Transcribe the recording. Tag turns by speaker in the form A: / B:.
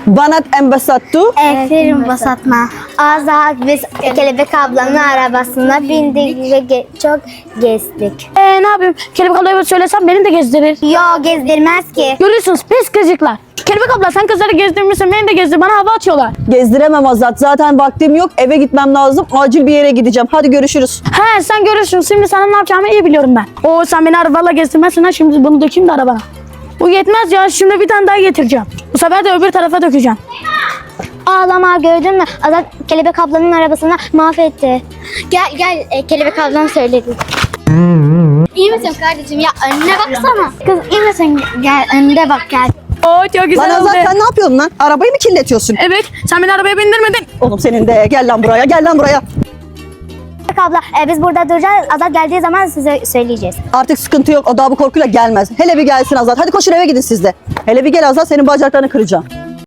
A: Banat embasattu.
B: Aferin Basatma. Azat biz Kelebek ablanın arabasına bindik ve çok gezdik.
C: Ne yapayım? Kelebek ablaya söylesem beni de gezdirir.
B: Yo gezdirmez ki.
C: Görüyorsunuz pis kızcıklar. Kelebek abla sen kızları gezdirmişsin, beni de gezdir. Bana hava atıyorlar.
A: Gezdiremem Azat. Zaten vaktim yok. Eve gitmem lazım. Acil bir yere gideceğim. Hadi görüşürüz.
C: He sen görürsün. Şimdi sana ne yapacağımı iyi biliyorum ben. Oo sen beni arabayla gezdirmezsin ha. Şimdi bunu dökeyim de arabana. Bu yetmez ya. Şimdi bir tane daha getireceğim. Bu sefer de öbür tarafa dökeceğim.
B: Ağlama gördün mü? Azat Kelebek ablanın arabasını mahvetti. Gel Kelebek ablan söyledi. İyi misin kardeşim? Ya önüne baksana. Kız iyi misin? Gel önüne bak gel.
C: Oo çok
A: Lan
C: güzel oldu.
A: Azat sen ne yapıyorsun lan? Arabayı mı kirletiyorsun?
C: Evet sen beni arabaya bindirmedin.
A: Oğlum senin de gel lan buraya. Gel lan buraya.
B: Kelebek abla biz burada duracağız. Azat geldiği zaman size söyleyeceğiz.
A: Artık sıkıntı yok. O daha bu korkuyla gelmez. Hele bir gelsin Azat. Hadi koşun eve gidin siz de. Hele bir gel Azat. Senin bacaklarını kıracağım.